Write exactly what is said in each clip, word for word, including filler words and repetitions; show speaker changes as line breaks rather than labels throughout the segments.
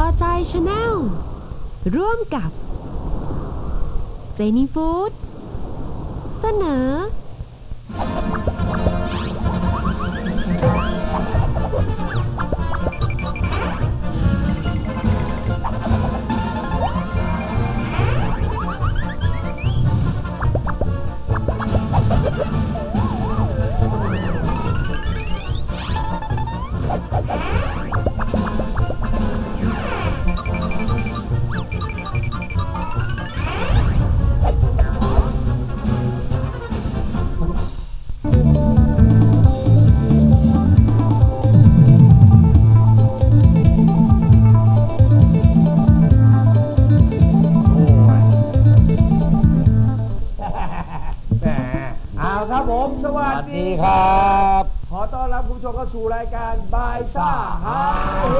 ใจชาแนลร่วมกับเจนี่ฟู้ดเสนอ
ครับผมสวัสดีครับขอต้อนรับคุณผู้ชมเข้าสู่รายการบายซ่าฮาเฮ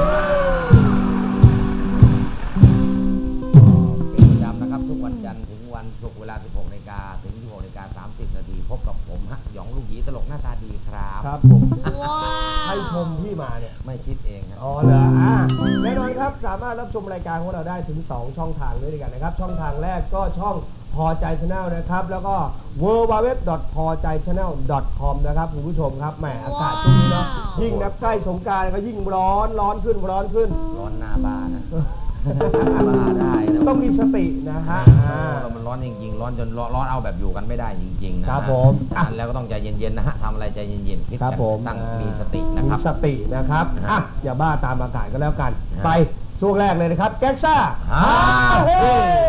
เป็นประจำนะครับทุกวันจันทร์ถึงวันศุกร์เวลา สิบหกนาฬิกา ถึง สิบหกนาฬิกาสามสิบ นาทีพบกับผมฮะหยองลูกหยีตลกหน้าตาดีครับ
ครับผมให้ชมที่มาเนี่ย
ไม่คิดเองครับ
อ๋อเหรออ่ะแน่นอนครับสามารถรับชมรายการของเราได้ถึงสองช่องทางด้วยกันนะครับช่องทางแรกก็ช่องพอใจ Channel นะครับแล้วก็ ดับเบิลยู ดับเบิลยู ดับเบิลยู ดอท พอใจ ชาแนล ดอท คอม นะครับคุณผู้ชมครับแหมอากาศช่วงนี้เนาะยิ่งนับใกล้สงกรานต์ก็ยิ่งร้อนร้อนขึ้นร้อนขึ้น
ร้อนหน้าบ้านนะบ้าได้นะ
ต้องมีสตินะฮะ
เรามันร้อนจริงๆร้อนจนร้อนเอาแบบอยู่กันไม่ได้จริงๆนะครับ
ผม
อ่านแล้วก็ต้องใจเย็นๆนะฮะทำอะไรใจเย็นๆคิดตั้งมีสตินะครับ
มีสตินะครับอ่ะอย่าบ้าตามอากาศก็แล้วกันไปช่วงแรกเลยนะครับแก๊กซ่าฮาเฮ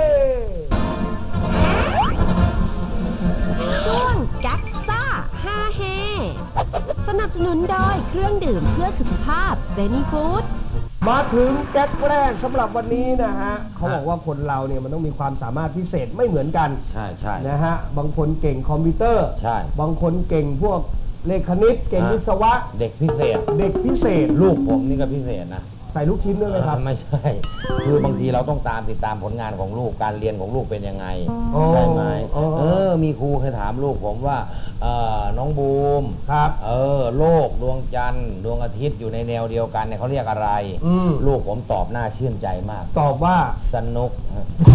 ช่วงแก๊กซ่าฮาเฮสนับสนุนโดยเครื่องดื่มเพื่อสุขภาพเจนี่ฟู้ด
มาถึงแก๊กแรกสำหรับวันนี้นะฮะเขาบอกว่าคนเราเนี่ยมันต้องมีความสามารถพิเศษไม่เหมือนกัน
ใช่ใช่
นะฮะบางคนเก่งคอมพิวเตอร์
ใช่
บางคนเก่งพวกเลขคณิตเก่งวิศวะ
เด็กพิเศษ
เด็กพิเศษ
ลูกผมนี่ก็พิเศษนะ
ใส่ลูกชิ้นด้วยไหมครับ
ไม่ใช่คือบางทีเราต้องตามติดตามผลงานของลูกการเรียนของลูกเป็นยังไงใช่ไหมเออมีครูเคยถามลูกผมว่าเออน้องบูม
ครับ
เออโลกดวงจันทร์ดวงอาทิตย์อยู่ในแนวเดียวกันเนี่ยเขาเรียกอะไรลูกผมตอบหน้าชื่นใจมาก
ตอบว่า
สนุก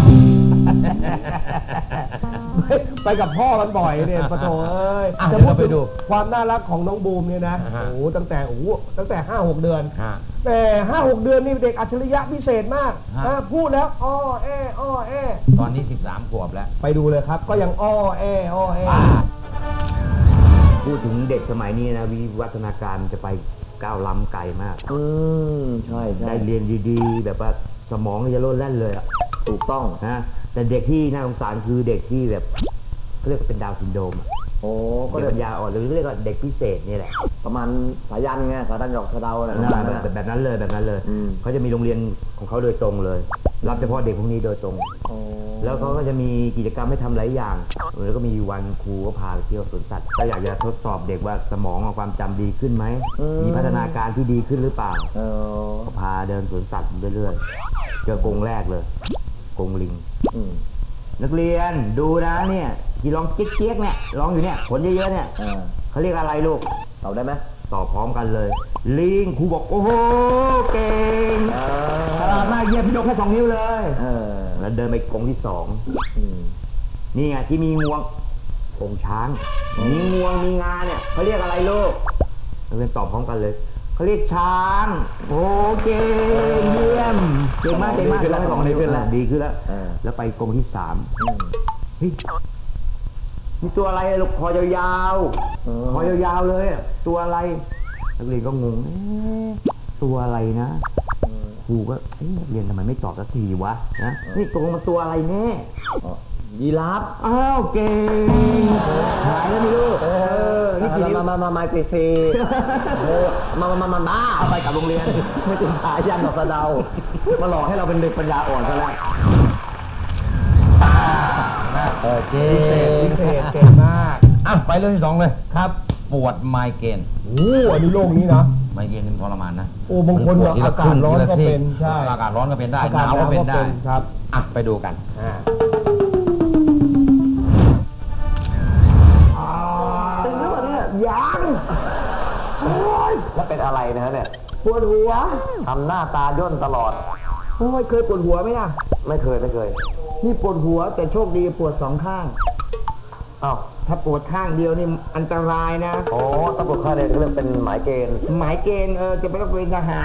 ไปกับพ่อมันบ่อยเนี่ยปะโถเอ้ย
จะพูดไปดู
ความน่ารักของน้องบูมเนี่ยนะโอ้ตั้งแต่โอ้ตั้งแต่ห้าหกเดือนแต่ห้าหกเดือนนี่เด็กอัจฉริยะพิเศษมากพูดแล้วอ้อแออ้อแอ
ตอนนี้สิบสามขวบแล้ว
ไปดูเลยครับก็ยังอ้อแออ้อแอ
พูดถึงเด็กสมัยนี้นะวิวัฒนาการจะไปก้าวล้ำไกลมาก
อืมใช่
ได้เรียนดีๆแบบว่าสมองจะโลดแล่นเลยอ่ะ
ถูกต้อง
นะแต่เด็กที่น่าสงสารคือเด็กที่แบบเขาเรียกว่าเป็นดาวน์ซินโดรม
โอ้
ก็เด็กปัญญาอ่อนหรือเรียกว่าเด็กพิเศษนี่แหละ
ประมาณสายันไงสายันหยอกสะเดาอะไร
แบบแบบนั้นเลยแบบนั้นเลยเขาจะมีโรงเรียนของเขาโดยตรงเลยรับเฉพาะเด็กพวกนี้โดยตรงแล้วเขาก็จะมีกิจกรรมให้ทำหลายอย่างแล้วก็มีวันครูก็พาไปเที่ยวสวนสัตว์ก็อยากจะทดสอบเด็กว่าสมองความจำดีขึ้นไหมมีพัฒนาการที่ดีขึ้นหรือเปล่าก็พาเดินสวนสัตว์เรื่อยๆเจอกรงแรกเลยกรงลิงนักเรียนดูนะเนี่ยที่ร้องเจี๊ยกๆเนี่ยร้องอยู่เนี่ยขนเยอะๆเนี่ยเขาเรียกอะไรลูก
ตอบได้ไหม
ตอบพร้อมกันเลยลิงครูบอกโอ้โหเก่งฉลาดมากเยี่ยมพี่ยกแค่สองนิ้วเลยแล้วเดินไปกรงที่สองนี่ไงที่มีงวงกรงช้างมีงวงมีงาเนี่ยเขาเรียกอะไรลูกนักเรียนตอบพร้อมกันเลยเขาเรียกช้างโอ้เก่งเยี่ยมเก่งมากเก่งมากแล้วสองนิ้วขึ้นแล้วดีขึ้นแล้วแล้วไปกรงที่สามเฮ้ยนี่ตัวอะไรลูกคอยาวๆคอยาวๆเลยตัวอะไรนักเรียนก็งงตัวอะไรนะครูก็เรียนทำไมไม่ตอบสักทีวะนะนี่ตกลงมันตัวอะไรแน่
ยีราฟ
อ้าวเก่งหายแล้วนี่ลูกเออ
นี่กี่มามามามาเซมามามามามา
ไปกับโรงเรียน
ไม่ถึงสายยันดอกสะเดามาหลอกให้เราเป็นเด็กปัญญาอ่อนซะแล้ว
เออเก่งพิเศษเก่งมาก
อ่ะไปเรื่องที่สองเลย
ครับ
ปวดไมเกรน
โอ้อันนี้โรคนี้นะ
ไมเกรนนี่ทรมานนะ
โอ้บางคนอากาศร้อนก็เป็นใช่
อากาศร้อนก็เป็นได้หนาวก็เป็นได้
ครับ
อ่ะไปดูกัน
เป็นเรื่องเนี่ยยัง
แล้วเป็นอะไรนะเนี่ย
ปวดหัว
ทำหน้าตาย่นตลอด
โอ้ยเคยปวดหัวไหมล่ะ
ไม่เคยไม่เคย
นี่ปวดหัวแต่โชคดีปวดสองข้าง
อ้าว
ถ้าปวดข้างเดียวนี่อันตรายนะ
โอ้ตำรวจข้าเรียนเรื่องเป็นหมายเกณฑ์
หมายเกณฑ์เออจะไปรับเป็นทหาร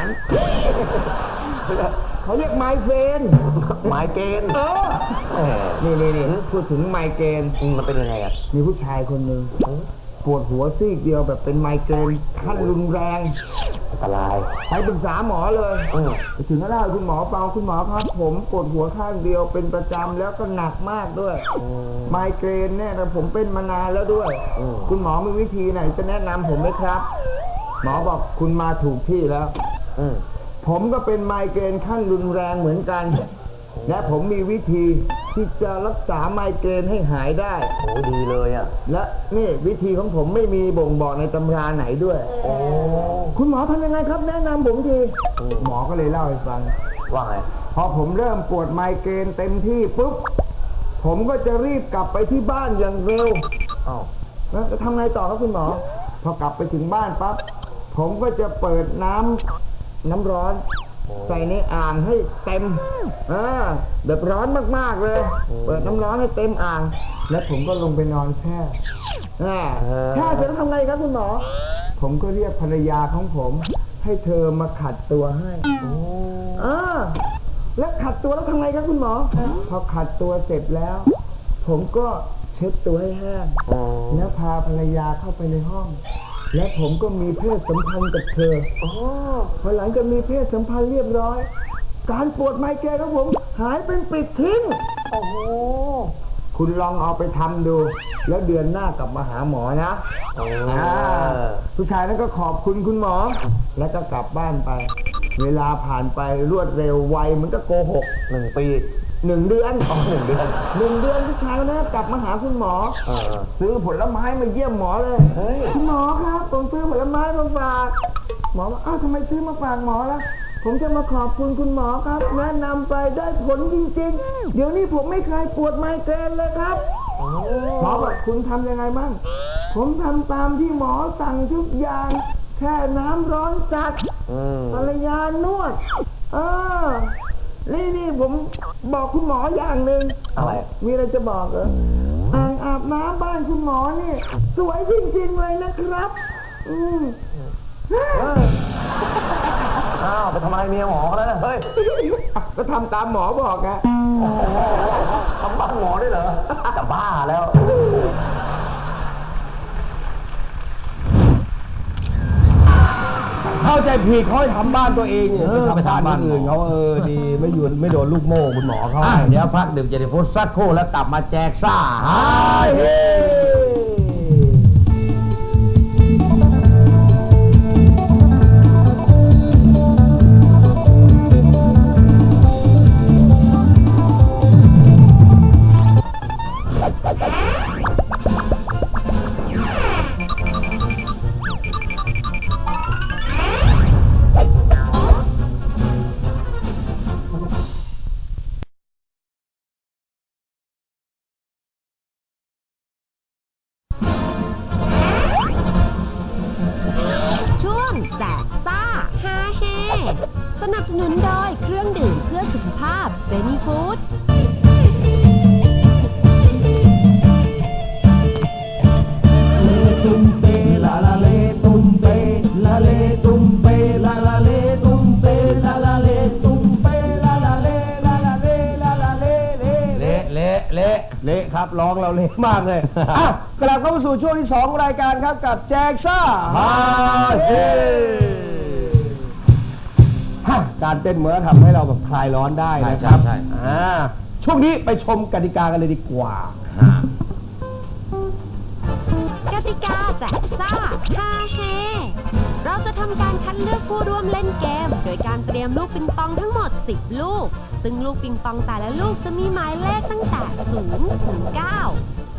เขาเรียกไมเกรน
หมายเกณฑ์
เออ
แหม
นี่นี่นี่พูดถึงไมเกรน
มันเป็นยังไงอ่ะ
มีผู้ชายคนหนึ่งปวดหัวซีกเดียวแบบเป็นไมเกรนขั้นรุนแรง
อันตราย
ไปปรึกษาหมอเลย
อืม
ไปถึงก็เล่าให้คุณหมอฟังคุณหมอครับผมปวดหัวข้างเดียวเป็นประจำแล้วก็หนักมากด้วย
อืม
ไมเกรนเนี่ยนะผมเป็นมานานแล้วด้วย
อืม
คุณหมอมีวิธีไหนจะแนะนำผมไหมครับ หมอบอกคุณมาถูกที่แล้ว
อืม
ผมก็เป็นไมเกรนขั้นรุนแรงเหมือนกัน และผมมีวิธีที่จะรักษาไมเกรนให้หายได้
โอ้ดีเลยอ่ะ
และนี่วิธีของผมไม่มีบ่งบอกในตำราไหนด้วย
โอ้
คุณหมอทำยังไงครับ แนะนำผมที
อืม
หมอก็เลยเล่าให้ฟัง
ว่าไง
พอผมเริ่มปวดไมเกรนเต็มที่ปุ๊บ ผมก็จะรีบกลับไปที่บ้านอย่างเร็ว
อ้าว
แล้วจะทำไงต่อครับคุณหมอ พอกลับไปถึงบ้านปั๊บ ผมก็จะเปิดน้ำน้ำร้อน ใส่ในอ่างให้เต็มอ่าแบบร้อนมากๆเลย เปิดน้ำร้อนให้เต็มอ่าง แล้วผมก็ลงไปนอนแช่อ่าแช่เสร็จแล้วทำไงครับคุณหมอ ผมก็เรียกภรรยาของผม ให้เธอมาขัดตัวให้
โอ้
อ่าแล้วขัดตัวแล้วทำไงครับคุณหมอ พอขัดตัวเสร็จแล้ว ผมก็เช็ดตัวให้แห้ง
โอ้
แล้วพาภรรยาเข้าไปในห้อง และผมก็มีเพศสัมพันธ์กับเธออพอหลังจากมีเพศสัมพันธ์เรียบร้อย การปวดไมเกรนของผม หายเป็นปลิดทิ้ง
โอ้โห
คุณลองเอาไปทำดู แล้วเดือนหน้ากลับมาหาหมอนะ
โอ้
อ่าผู้ชายนั้นก็ขอบคุณคุณหมอ แล้วก็กลับบ้านไป เวลาผ่านไปรวดเร็วไวเหมือนกับโกหก
หนึ่งปี
หนึ่งเดือน
อ๋อหนึ่งเดือน
หนึ่งเดือนผู้ชายคนนั้นกลับมาหาคุณหมอ
เออเออ
ซื้อผลไม้มาเยี่ยมหมอเลย
เฮ้ย
คุณหมอครับผมซื้อผลไม้มาฝาก หมอว่าอ้าวทำไมซื้อมาฝากหมอล่ะ ผมจะมาขอบคุณคุณหมอครับ แนะนำไปได้ผลจริงๆ เดี๋ยวนี้ผมไม่เคยปวดไมเกรนเลยครับ หมอบอกคุณทำยังไงบ้าง ผมทำตามที่หมอสั่งทุกอย่าง แค่น้ำร้อนจัด
อืม
ภรรยานวด เออ นี่นี่ผมบอกคุณหมออย่างหนึ่ง
อะไร
มีอะไรจะบอกเหรออ่างอาบน้ำบ้านคุณหมอนี่สวยจริงๆเลยนะครับ อืม
อ้าวไปทำอะไรเมียหมอแล้วนะเฮ้ย
ก็ทำตามหมอบอกไง
โอ้โหทำบ้านหมอได้เหรอ จะบ้าแล้ว
เข้าใจผิดเขาให้ทำบ้านตัวเองเนี่ย
เออ
ไปทำบ้านคนอื่น
ไปทำบ้านหมอ
เขาเออดีไม่หยุดไม่โดนลูกโม่คุณหมอเขา
อ่ะเดี๋ยวพักดื่มเจนิฟูดสักครู่แล้วกลับมาแจกซ่าฮาเฮ
ช่วงแจกซ่าฮาเฮสนับสนุนโดยเครื่องดื่มเพื่อสุขภาพเจนี่ฟู้ด
ตุ้มเปลาลาเลตุ้มเปลาเลตุ้มเปลาลาเลตุ้มเปลาลาเลตุ้มเปลาลาเลลาลาเลลาลาเลเล
เละเละเละ
เละครับร้องเราเละมากเลย อ้าวกลับเข้ามาสู่ช่วงที่สองของรายการครับกับแจกซ่า
ฮาเฮ
ฮะการเต้นเหมือนทำให้เราแบบคลายร้อนได้นะครับ
ใช่ใช่
อ่าช่วงนี้ไปชมกติกากันเลยดีกว่า
ฮะ
กติกาแจกซ่าฮาเฮเราจะทำการคัดเลือกผู้ร่วมเล่นเกม โดยการเตรียมลูกปิงปองทั้งหมด สิบ ลูก ซึ่งลูกปิงปองแต่ละลูกจะมีหมายเลขตั้งแต่ ศูนย์ ถึง เก้า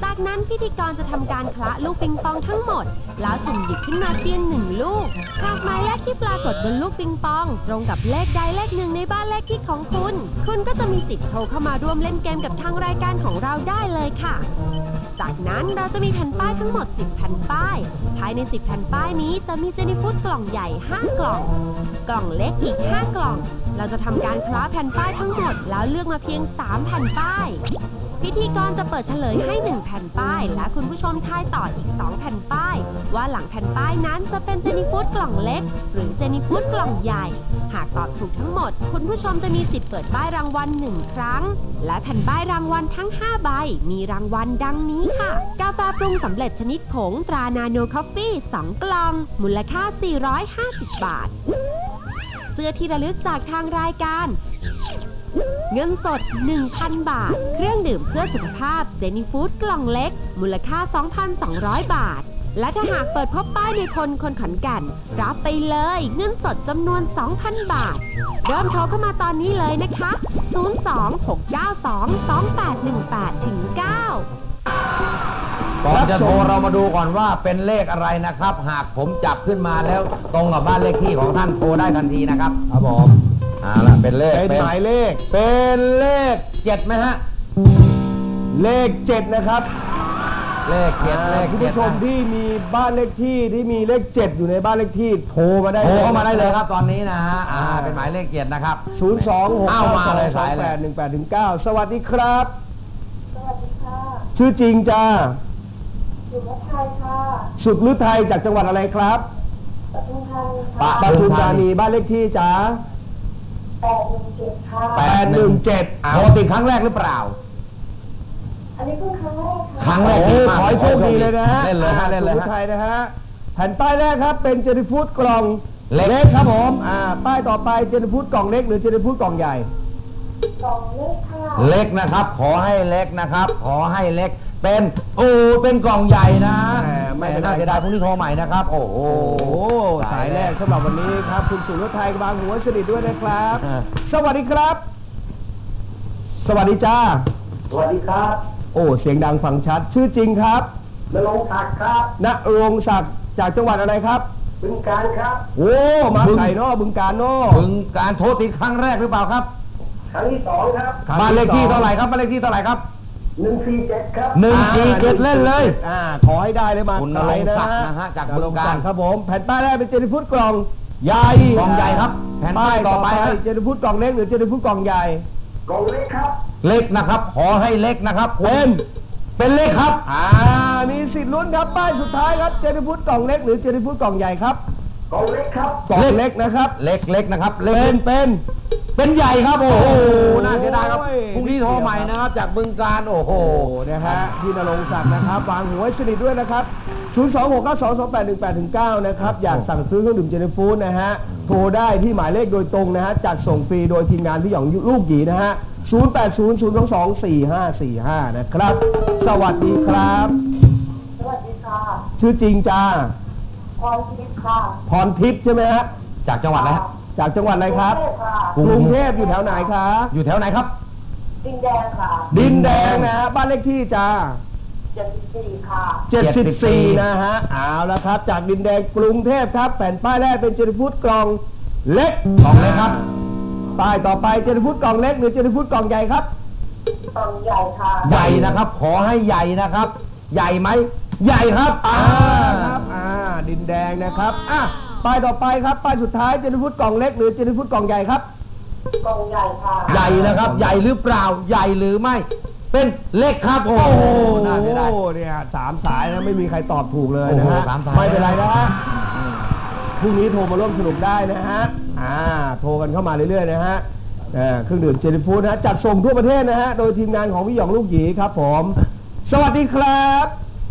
จากนั้นพิธีกรจะทำการคละลูกปิงปองทั้งหมดแล้วสุ่มหยิบขึ้นมาเพียงหนึ่งลูกหากหมายเลขที่ปรากฏบนลูกปิงปองตรงกับเลขใดเลขหนึ่งในบ้านเลขที่ของคุณคุณก็จะมีสิทธิ์โทรเข้ามาร่วมเล่นเกมกับทางรายการของเราได้เลยค่ะจากนั้นเราจะมีแผ่นป้ายทั้งหมดสิบแผ่นป้ายภายในสิบแผ่นป้ายนี้จะมีเจนี่ฟู้ดกล่องใหญ่ห้ากล่องกล่องเล็กอีกห้ากล่องเราจะทำการคล้าแผ่นป้ายทั้งหมดแล้วเลือกมาเพียงสามแผ่นป้ายพิธีกรจะเปิดเฉลยให้หนึ่งแผ่นป้ายและคุณผู้ชมทายต่ออีกสองแผ่นป้ายว่าหลังแผ่นป้ายนั้นจะเป็นเจนี่ฟู้ดกล่องเล็กหรือเจนี่ฟู้ดกล่องใหญ่หากตอบถูกทั้งหมดคุณผู้ชมจะมีสิทธิ์เปิดป้ายรางวัลหนึ่งครั้งและแผ่นป้ายรางวัลทั้งห้าใบมีรางวัลดังนี้ค่ะกาแฟปรุงสำเร็จชนิดผงตรานาโนคอฟฟี่สองกล่องมูลค่าสี่ร้อยห้าสิบบาทเสื้อที่ระลึกจากทางรายการเงินสด หนึ่งพัน บาทเครื่องดื่มเพื่อสุขภาพเจนี่ฟู้ดกล่องเล็กมูลค่า สองพันสองร้อย บาทและถ้าหากเปิดพบป้ายในพลคนขอนแก่นรับไปเลยเงินสดจำนวน สองพัน บาทเริ่มโทรเข้ามาตอนนี้เลยนะคะศูนย์ สอง หก เก้า สอง สอง แปด หนึ่ง แปด เก้า
ก่อนจะโทรเรามาดูก่อนว่าเป็นเลขอะไรนะครับ หากผมจับขึ้นมาแล้วตรงกับบ้านเลขที่ของท่านโทรได้ทันทีนะครับครับผมเอาล่ะเป็นเลข
เป็นหมายเลขเป็นเลขเจ็ดไหมฮะเลขเจ็ดนะครับ
เลขเจ็ดเลข
คุณ
เจ็ด
ผู้ชมที่มีบ้านเลขที่ที่มีเลขเจ็ดอยู่ในบ้านเลขที่โทรมาได้
โทรเข้ามาได้เลยครับตอนนี้นะฮะอ่าเป็นหมายเลขเจ็ดนะครับ
ศูนย์ สอง หก เก้า
มาเลย
สอง แปด หนึ่ง แปด เก้าสวัสดีครับ
สวัสดีค่ะ
ชื่อจริงจ้า
สุรไทยค่ะ
สุดฤทัยจากจังหวัดอะไรครับ
ปทุมธานีค่ะ
ปทุมธานีบ้านเลขที่จ้า
แปดหนึ่งเจ็ดค่ะ
แปดหนึ่งเจ็ด
โทรติดครั้งแรกหรือเปล่า
อันนี้เพิ่งครั้งแรกค่ะ
ครั้งแรก
ขอให้โชคดีเลยนะฮะ
เล่นเลยฮะเล่นเลยฮะ
สุรไทยนะฮะแผ่นป้ายแรกครับเป็นเจนี่ฟู้ดกล่องเล็กครับผมอ่าป้ายต่อไปเจนี่ฟู้ดกล่องเล็กหรือเจนี่ฟู้ดกล่องใหญ่
กล่องเล็กค่ะ
เล็กนะครับขอให้เล็กนะครับขอให้เล็กเป็นโอ้เป็นกล่องใหญ่นะไม่น่าเสียดายพรุ่งนี้โทรใหม่นะครับโอ้โห
สายแรกสำหรับวันนี้ครับคุณสุรไทยบางหัวสนิทด้วยนะครับสวัสดีครับสวัสดีจ้า
สวัสดีครับ
โอ้เสียงดังฟังชัดชื่อจริงครับ
ณรงค์ศักดิ์ครับ
ณรงค์ศักดิ์จากจังหวัดอะไรครับ
บึงกาฬครับ
โอ้มาไก่นอบึงกาฬนอ
บึงกาฬโทรติดครั้งแรกหรือเปล่าครับ
ครั้งที่สองครับ
บ้านเลขที่เท่าไหร่ครับบ้านเลขที่เท่าไหร่ครับ
หนึ่งสี่เจ็ดครับ
หนึ่งสี่เจ็ดเล่นเลย
อ่าขอให้ได้เลยมา
คุณณรงค์ศักดิ์นะฮะจากบึงกาฬ
ครับผมแผ่นป้ายแรกเป็นเจนี่ฟู้ดกล่องใหญ่
กล่องใหญ่ครับแผ่นป้ายต่อไป
เจนี่ฟู้ดกล่องเล็กหรือเจนี่ฟู้ดกล่องใหญ่
กล่องเล็กครับ
เล็กนะครับขอให้เล็กนะครับเป็นเป็นเล็กครับ
อ่ามีสิทธิ์ลุ้นครับป้ายสุดท้ายครับเจนี่ฟู้ดกล่องเล็กหรือเจนี่ฟู้ดกล่องใหญ่ครับ
กล่องเล็กครับ
กล่องเล็กนะครับ
เล็กเล็กนะครับ
เป็นเป็น
เป็นใหญ่ครับโอ้โหน่าเสียดายครับพรุ่งนี้โทรใหม่นะครับจากบึงกาฬโอ้โห
นะฮะพี่ณรงค์ศักดิ์นะครับวางหัวสนิทด้วยนะครับศูนย์ สอง หก เก้า สอง สอง แปด หนึ่ง แปด เก้านะครับอยากสั่งซื้อเครื่องดื่มเจนี่ฟู้ดนะฮะโทรได้ที่หมายเลขโดยตรงนะฮะจัดส่งฟรีโดยทีมงานพี่หยองลูกหยีนะฮะศูนย์ แปด ศูนย์ ศูนย์ สอง สอง สี่ ห้า สี่ ห้านะครับสวัสดีครับ
สวัสดีค่ะ
ชื่อจริงจ้า
พรทิพย์ค่ะ
พรทิพย์ใช่ไหมฮะ
จากจังหวัดอะไร
จากจังหวัดอะไรครับกรุงเทพอยู่แถวไหนครับ
อยู่แถวไหนครับ
ดินแดงค่ะ
ดินแดงนะฮะบ้านเลขที่จ้า
เจ็ดสิบสี่ค่ะ
เจ็ดสิบสี่นะฮะเอาละครับจากดินแดงกรุงเทพครับแผ่นป้ายแรกเป็นเจนี่ฟู้ดกล่องเล็ก
กล่องเล็กครับ
ป้ายต่อไปเจนี่ฟู้ดกล่องเล็กหรือเจนี่ฟู้ดกล่องใหญ่ครับ
กล่องใหญ่ค่ะ
ใหญ่นะครับขอให้ใหญ่นะครับใหญ่ไหมใหญ่ครับ
อ่าครับอ่าดินแดงนะครับอ่ะป้ายต่อไปครับป้ายสุดท้ายเจนี่ฟู้ดกล่องเล็กหรือเจนี่ฟู้ดกล่องใหญ่ครับ
กล่องใหญ่ค่ะ
ใหญ่นะครับใหญ่หรือเปล่าใหญ่หรือไม่เป็นเล็กครับโอ้โหน่าเสียดาย
เนี่ยสามสายนะไม่มีใครตอบถูกเลยนะฮะไม่เป็นไรนะฮะพรุ่งนี้โทรมาร่วมสนุกได้นะฮะอ่าโทรกันเข้ามาเรื่อยๆนะฮะเครื่องดื่มเจนี่ฟู้ดนะฮะจัดส่งทั่วประเทศนะฮะโดยทีมงานของพี่หยองลูกหยีครับผมสวัสดีครับ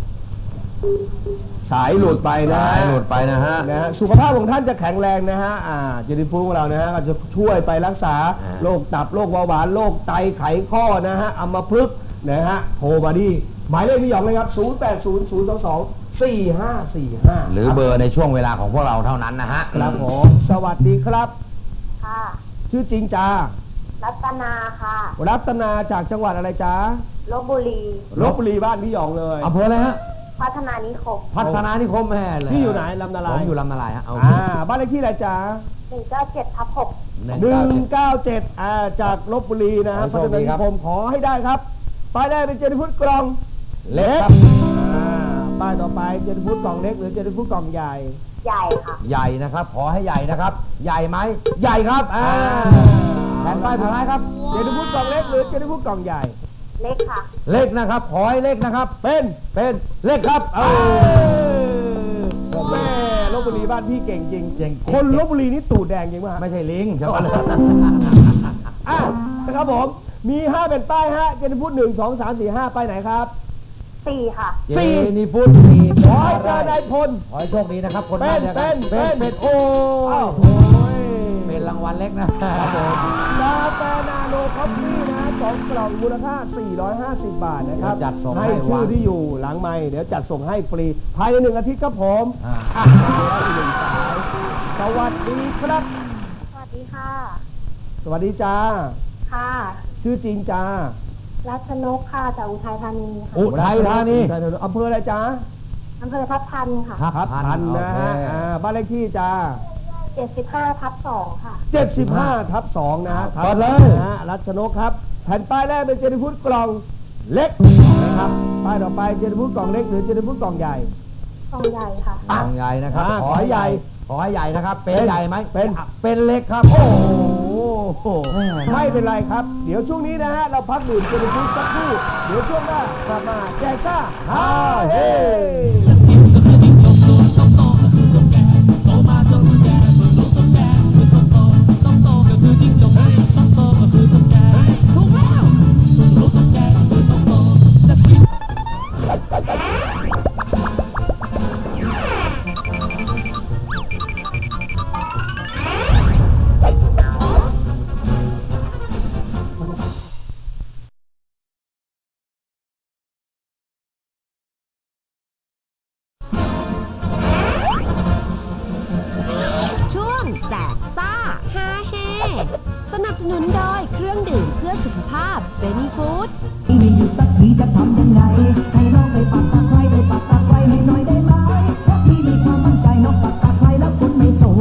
สายหลุดไปนะ
สายหลุดไปนะฮะ
นะฮะสุขภาพของท่านจะแข็งแรงนะฮะอ่าเจนี่ฟู้ดของเรานะฮะก็จะช่วยไปรักษาโรคตับโรคเบาหวานโรคไตไขข้อนะฮะอัมพฤกษ์นะฮะโทรมาดีหมายเลขพี่หยองเลยครับศูนย์ แปด ศูนย์ ศูนย์ สอง สอง สี่ ห้า สี่ ห้า
หรือเบอร์ในช่วงเวลาของพวกเราเท่านั้นนะฮะ
ครับผมสวัสดีครับ
ค่ะ
ชื่อจริงจ้า
รัตนาค่ะ
รัตนาจากจังหวัดอะไรจ๊ะ
ลพบุรี
ลพบุรีบ้านพี่หยองเลย
อำเภออะไรฮะ
พัฒนานิคม
พัฒนานิคมแม่เลย
พี่อยู่ไหนลำนาลาย
ผมอยู่ลำนาลายฮะเอา
อ่าบ้านเลขที่อะไรจ๊ะ
หนึ่งเก้าเจ็ดทับหก
หนึ่ง
หนึ่
เก้าง เจ็ด
เก้าเจ็ดอ่าจากลบบุรีนะ
ขอ
พั
ให้
ฒ
โชคดี
นา
ครั
นิ
บ
คมขอให้ได้ครับป้ายแรกเป็นเจนิฟุตกล่อง
เล็กครับ
อ่าป้ายต่อไปเจนิฟุตกล่องเล็กหรือเจนิฟุตกล่องใหญ่
ใหญ่ค่ะ
ใหญ่นะครับ ขอให้ใหญ่นะครับ ใหญ่ไหมใหญ่ครับอ่าแผ่นป้ายสุดท้ายครับ
เจนิฟุตกล่องเล็กหรือเจนิฟุตกล่องใหญ่
เล็กค่ะ
เล็กนะครับ ขอให้เล็กนะครับ
เป็น
เป็นเล็กครับเอ
เอ
อ
อแม่ลบบุรีบ้านพี่เก่งจริง
เก่งจริง
คนลบบุรีนี่ตูดแดงจริงป่ะ
ไม่ใช่ลิงใช่ไหม
อ่ะนะครับผมมีห้าเป็นป้ายฮะเจนิฟุตหนึ่งสองสามสี่ห้าไปไหนครับ
สี่ค่ะ
เจนี่พูดสี่
ขอให้เจอนายพล
ขอให้โชคดีนะครับคน
เป็
บ้าน
น
เดียวกั
เป็น
เป็น
เป็
เป็น นโอ้
อ้าวย โอ้ย
เป็นรางวัลเล็กนะครับผม
กาแฟนาโนคอฟฟี่นะฮะสองกล่องมูลค่า สี่ร้อยห้าสิบ บาทนะครับ
จัดส่ง
ให้
ให้
ชื่
วั
อน ที่อยู่หลังไมค์เดี๋ยวจัดส่งให้ฟรี ภายในหนึ่งอาทิตย์ครับผม
อ่า
อ่ะแล้วอีกหนึ่งสายสวัสดีครับ
สวัสดีค่ะ
สวัสดีจ้า
ค่ะ
ชื่อจริงจ้า
รัชนกค่ะจากอุทัยธานีค่ะ
อุทัยธานี
อุทัยธานีอำเภออะไรจ้า
อำเภอทับทันค่ะ
ครับ
พันนะฮะ
โอเค
อ่าบ้านเลขที่จ้า
เจ็ดสิบห้าทับสองค่ะ
เจ็ดสิบห้าทับสองนะฮะ
เปิดเลย
นะฮะรัชนกครับ แผ่นป้ายแรกเป็นเจนิฟุตกล่องเล็กนะครับ ป้ายต่อไปเจนิฟุตกล่องเล็กหรือเจนิฟุตกล่องใหญ่
กองใหญ่ค่ะ
กล่องใหญ่นะครับ
อ่าขอให้ใหญ่
ขอให้ใหญ่นะครับ เป็น
เป็น
ใหญ่ไหม
เป็น
เป็นเล็กครับ
โอ้โหไม่เป็นไรครับ เดี๋ยวช่วงนี้นะฮะ เราพักดื่มเจนิฟุตสักครู่ เดี๋ยวช่วงหน้ากลับมาแจกซ่าฮาเฮ
ช่วงแจกซ่าฮาเฮสนับสนุนโดยเครื่องดื่มเพื่อสุขภาพเซนีฟู้ด
มีอยู่สักทีจะทำยังไง ให้น้องได้ปักตะไคร้ได้ปักตะไคร้ให้หน่อยได้ไหมเพราะพี่มีความมั่นใจน้องปักตะไคร้แล้วฝนไม่ตก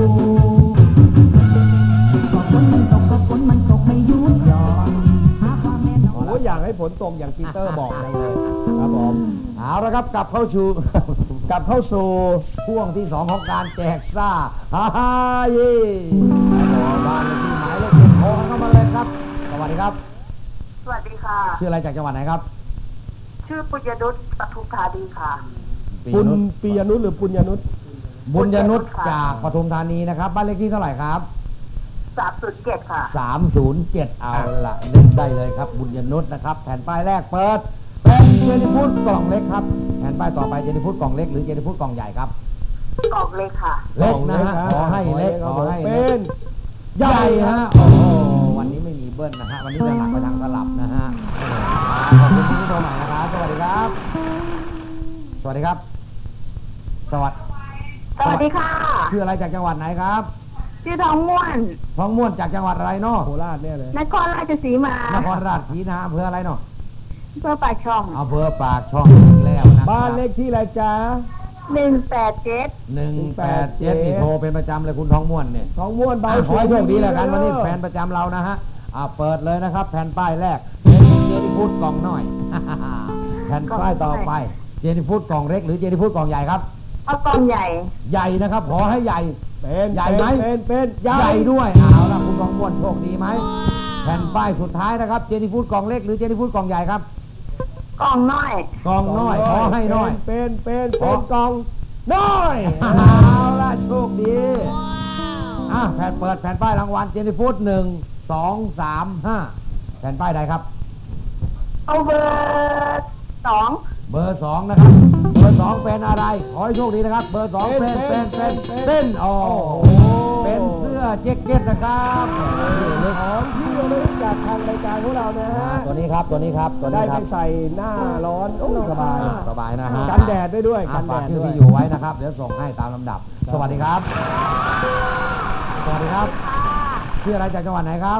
ก็ฝนมันตกก็ฝนมันตกไม่หยุดหย่อนหาความแน่นอน
โอ้อยากให้ฝนตกอย่างปีเตอร์บอกจังเลยครับผม
เอาละครับกลับเข้าสู่
กลับเข้าสู่
ช่วงที่สองของการแจกซ่าฮ่าฮ่าเย่บ้านเลขที่หมายเลขเจ็ดโทรเข้ามาเลยครับ สวัสดีครับ
สวัสดีค่ะ
ชื่ออะไรจากจังหวัดไหนครับ
ชื่อปุญญนุชปทุมธานีค่ะ
ปุณปียนุชหรือปุญญนุช
บุญยนุช
ค่ะ
จากปทุมธานีนะครับ บ้านเลขที่เท่าไหร่ครับ
สามศูนย์เจ็ดค่ะ
สามศูนย์เจ็ดเอาละเล่นได้เลยครับ บุญยนุชนะครับ แผ่นป้ายแรกเปิด เป็นเจนิฟูดกล่องเล็กครับ แผ่นป้ายต่อไปเจนิฟูดกล่องเล็กหรือเจนิฟูดกล่องใหญ่ครับ
กล่องเล็กค่ะ
เล็กนะฮะ ขอให้เล็ก ขอให้
เป็
เล็ก
น
ใหญ่ฮะ โอ้โห วันนี้ไม่มีเบิ้ลนะฮะ วันนี้จะหนักไปทางสลับนะฮะ ขอบคุณคุณผู้ชมใหม่นะครับ สวัสดีครับ สวัสดีครับ สวัสดี
สวัสดีค่ะ
ชื่ออะไรจากจังหวัดไหนครับ
ชื่อทองม่วน
ท้องม่วนจากจังหวัดอะไรเนาะ
โคราชเนี่ยเลย
นครราชสีมาน
ครราชสีมาอำเภออะไรเนาะ
เพื่อปากช่อง
อำเภอปากช่องอีกแล้วนะ
บ้านเลขที่อะไรจ๊ะ
หนึ่งแปดเจ็ด
หนึ่งแปดเจ็ดนี่โทรเป็นประจำเลยคุณท้องม่วนเนี่ย
ท้องม้วนเบา
อ่ะขอให้โชคดีแล้วกันวันนี้แฟนประจำเรานะฮะอ่าเปิดเลยนะครับ แผ่นป้ายแรกเป็นเจนี่ฟูดกล่องน้อย แผ่นป้ายต่อไปเจนี่ฟูดกล่องเล็กหรือเจนี่ฟูดกล่องใหญ่ครับ
เอากล่องใหญ่
ใหญ่นะครับขอให้ใหญ่
เป็น
ใหญ่ไหม
เป็นเป็นให
ให
ญ่
ญ่ด้วยเอาละคุณท้องม่วนโชคดีไหมแผ่นป้ายสุดท้ายนะครับเจนี่ฟูดกล่องเล็กหรือเจนี่ฟูดกล่องใหญ่ครับ
กล่องน้อย
กล่องน้อยขอให้น้อย
เป็นเป็นเป็น
ขอ
กล่องน้อย
เอาละโชคดีอ่ะแผ่นเปิดแผ่นป้ายรางวัลเจนี่ฟูดหนึ่งสองสามห้าแผ่นป้ายใดครับ
เอาเบอร์สอง
เบอร์สองนะครับ เบอร์สองเป็นอะไร ขอให้โชคดีนะครับ เบอร์สองเป็นเป็นเป็นเป็นโอ้โหเป็นเสื้อแจ็คเก็ตนะครับนี่เลย
ของที่ระลึกจากทางรายการของเรานะฮะ
อ่าตัวนี้ครับตัวนี้ครับตัว
ได้
นี้ค
ไป
รับ
ใส่หน้าร้อนโอ้สบาย
สบายนะฮะ
กันแดดได้ด้วย
อ่ะ
กันแด
ฝาก
ด
ชื่อ
ด้วย
ที่อยู่ไว้นะครับ เดี๋ยวส่งให้ตามลำดับ สวัสดีครับ สวัสดีครับ ชื่ออะไรจากจังหวัดไหนครับ
สวัสดี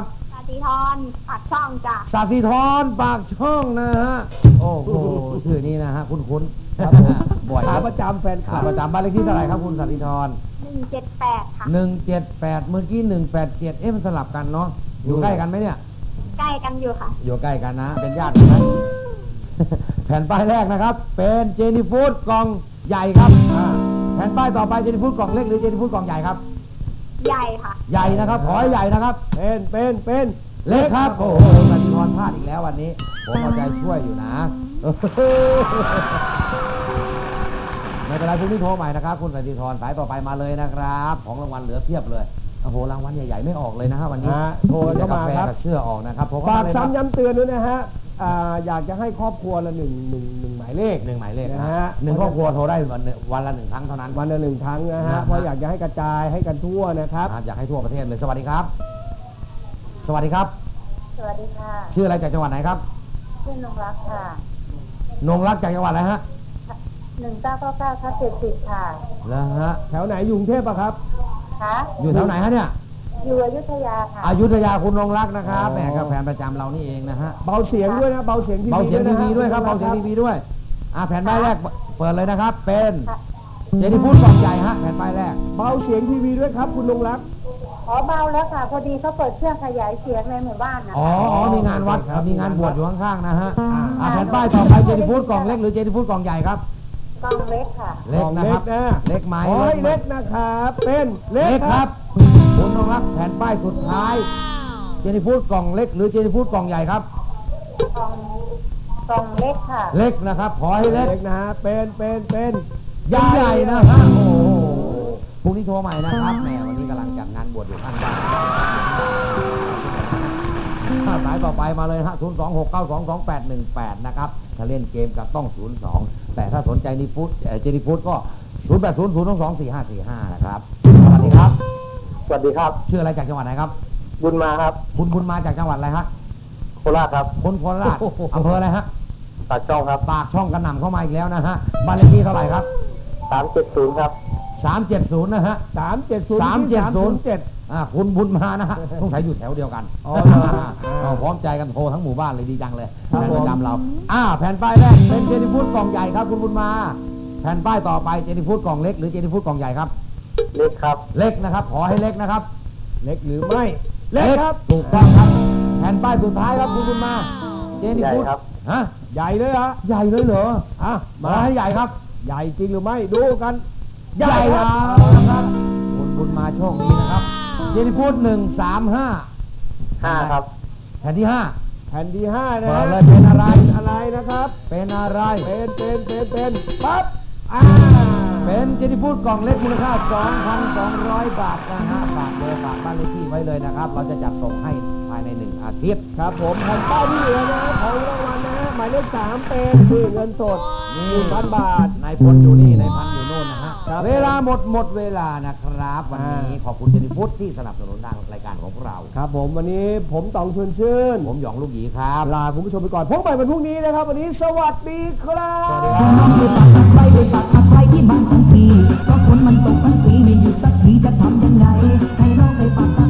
สีทรปากช่องจ้ะ
สาธิธรปากช่องนะฮะ โอ้โห ชื่อนี้นะฮะ คุ้นๆ
ครับผม
บ่อย
ขาประจำแฟนค
ขา
ลับ
ประจำบ้านเลขที่เท่าไหร่ครับคุณสาธิธร
หนึ่งเจ็ดแปดค่ะ
หนึ่งเจ็ดแปดเมื่อกี้หนึ่งแปดเจ็ดเอ๊ะมันสลับกันเนาะ อยู่ใกล้กันไหมเนี่ย
ใกล้กันอยู่ค่ะ
อยู่ใกล้กันนะ เป็นญาติกันไหม แผ่นป้ายแรกนะครับ เป็นเจนี่ฟูดกล่องใหญ่ครับอ่าแผ่นป้ายต่อไปเจนี่ฟูดกล่องเล็กหรือเจนี่ฟูดกล่องใหญ่ครับ
ใหญ่ค่ะ
ใหญ่นะครับ ขอให้ใหญ่นะครับ
เป็นเป็นเป็น
เล็กครับ โอ้โหสันติธรพลาดอีกแล้ววันนี้ ผมเอาใจช่วยอยู่นะ ไม่เป็นไรพรุ่งนี้โทรใหม่นะครับ คุณสันติธรสายต่อไปมาเลยนะครับ ของรางวัลเหลือเพียบเลย โอ้โห รางวัลใหญ่ๆไม่ออกเลยนะฮะวันนี้
ฮะโทรเข้ามาครับ
แต่กาแฟกับเสื้อออกนะครับผม
ฝาก
เลยครับ
ซ้ำย้ำเตือนด้วยนะฮะอ่าอยากจะให้ครอบครัวละหนึ่งหนึ่งหนึ่งหมายเลข
หนึ่งหมายเลข
นะ
นะ
ฮะ
ฮะหนึ่งครอบครัวโทรได้วันหนึ่งวันละหนึ่งครั้งเท่านั้น
วันละหนึ่งครั้งนะ
นะ
ฮะ
ฮะ
เพราะอยากจะให้กระจายให้กันทั่วนะครับ
ครับอยากให้ทั่วประเทศเลย สวัสดีครับ สวัสดีครับ
สวัสดีค่ะ
ชื่ออะไรจากจังหวัดไหนครับ
ชื่อนงรักค่ะ
นงรักจากจังหวัดอะไรฮะ
หนึ่งเก้าเก้าเก้าทับเจ็ดสิบค่ะ
แล้วฮะ
แถวไหนอยู่กรุงเทพอะครับ
คะ
อยู่แถวไหนฮะเนี่ย
อยู่อยุธยาค่ะ
อยุธยาคุณนงรักนะครับ
อ๋อ
แหมกับแฟนประจำเรานี่เองนะฮะ
เบาเสียงด้วยนะเบาเสียงทีวี
เบาเสียงทีวีด้วยครับ
นะ
เบาเสียงทีวีด้วยอ่าแผ่นป้ายแรกเปิดเลยนะครับ เป็น
ค่ะ
เจนี่ฟูดกล่องใหญ่ฮะแผ่นป้ายแรก
เบาเสียงทีวีด้วยครับ คุณนงรัก
ขอเบาแล้วค่ะ พอดีเขาเปิดเครื่องขยายเสียงในหมู่บ้านนะ
อ๋อ
คะ
อ๋อมีงานวัด
ครับ
มีงานบวชอยู่ข้างๆนะฮะ
อ่า
อ่าแผ่นป้ายต่อไปเจนี่ฟูดกล่องเล็กหรือเจนี่ฟูดกล่องใหญ่ครับ
กล้องเล็กค่ะ
เล็กนะครับ
นะ
เล็กไหม
ขอให้
ไหม
เล็กนะครับ เป็นเล็
เล็
ก
ก
ค
ค
รั
รับ บคุณนงรักแผ่นป้ายสุดท้าย เจนี่ฟูดกล่องเล็กหรือเจนี่ฟูดกล่องใหญ่ครับ
กล้องกล้องเล็กค่ะ
เล็กนะครับ ขอให้เล็ก
เล็กนะฮะเป็นเป็นเป็น
ใหญ่ๆนะฮะโอ้โหพรุ่งนี้โทรใหม่นะครับแหมวันนี้กำลังจัดงานบวชอยู่ข้างบ้านสายต่อไปมาเลยฮะ ศูนย์ สอง หก เก้า สอง สอง แปด หนึ่ง แปด นะครับ ถ้าเล่นเกมก็ต้อง ศูนย์ สอง แต่ถ้าสนใจนิฟุตเอ่อเจนิฟุตก็ ศูนย์ แปด ศูนย์ ศูนย์ สอง สี่ ห้า สี่ ห้า นะครับ สวัสดีครับ
สวัสดีครับ
ชื่ออะไรจากจังหวัดไหนครับ
บุญมาครับ
คุณคุณมาจากจังหวัดอะไรฮะ
โคราชครับ
คนโคราชอำเภออะไรฮะ
ปากช่องครับ
ปากช่องกระหน่ำเข้ามาอีกแล้วนะฮะบ้านเลขที่เท่าไหร่ครับ
สามเจ็ดศูนย์ครับ
สามเจ็ดศูนย์นะฮะ
สามเจ็ดศูนย์
สามเจ็ดศูนย์
เจ็ด
อ่าคุณบุญมานะฮะ ต้องใช้อยู่แถวเดียวกัน
อ๋อเหรอ
เราพร้อมใจกันโทรทั้งหมู่บ้านเลยดีจังเลย
ครับ
แผ่น
ผม
ประจำเราอ่าแผ่นป้ายแรกเป็นเจนิฟูดกล่องใหญ่ครับคุณบุญมา แผ่นป้ายต่อไปเจนิฟูดกล่องเล็กหรือเจนิฟูดกล่องใหญ่ครับ
เล็กครับ
เล็กนะครับ ขอให้เล็กนะครับ
เล็กหรือไม่ เล็กครับ
ถูกต้องครับ แผ่นป้ายสุดท้ายครับคุณบุญมา เจนิฟูด
ใหญ่ครับ
ฮะ
ใหญ่เลยเหรอ
ใหญ่เลยเหรอ
อ่ะ
ขอให้ใหญ่ครับ
ใหญ่จริงหรือไม่ดูกัน
ใหญ่
ค
ค
รั
รับ บคุณบุญมาโชคดีนะครับ เจนิฟูดหนึ่งสามห้า
ห้าครับ
แผ่นที่ห้า
แผ่นที่ห้านะ
เปิ
ฮะ
ดเลยเป็นอะไร
เป็นอะไรนะครับ
เป็นอะไร
เป็นเป็นเป็นเป็นปั๊บอ่า
เป็นเจนิฟูดกล่องเล็กมูลค่า สองพันสองร้อย บาทนะฮะฝากเบอร์ฝากบ้านเลขที่ไว้เลยนะครับ เราจะจัดส่งให้ภายในหนึ่งอาทิตย์
ครับผมแผ่นป้ายที่เหลือนะฮะของรางวัลนะฮะหมายเลขสามเป็นคือเงินสดหนึ่งพันบาท
นายพลอยู่นี่นายพันอยู่โน่นนะฮะ
ครับ
เวลาหมดหมดเวลานะครับ วันนี้
อ่า
ขอบคุณเจนิฟูดที่สนับสนุนทางรายการของพวกเรา
ครับผมวันนี้ผมต๋องชวนชื่น
ผมหยองลูกหยีครับ
ลาคุณผู้ชมไปก่อนพบกันใหม่วันพรุ่งนี้นะครับ วันนี้สวัสดีครับ
สวัสดีค
น้
รั
องไปปักตะไคร้ไปปักตะไคร้ที่บ้านของพี่เพราะฝนมันตกทั้งปีไม่หยุดสักทีจะทำยังไง ให้น้องไปปักตะ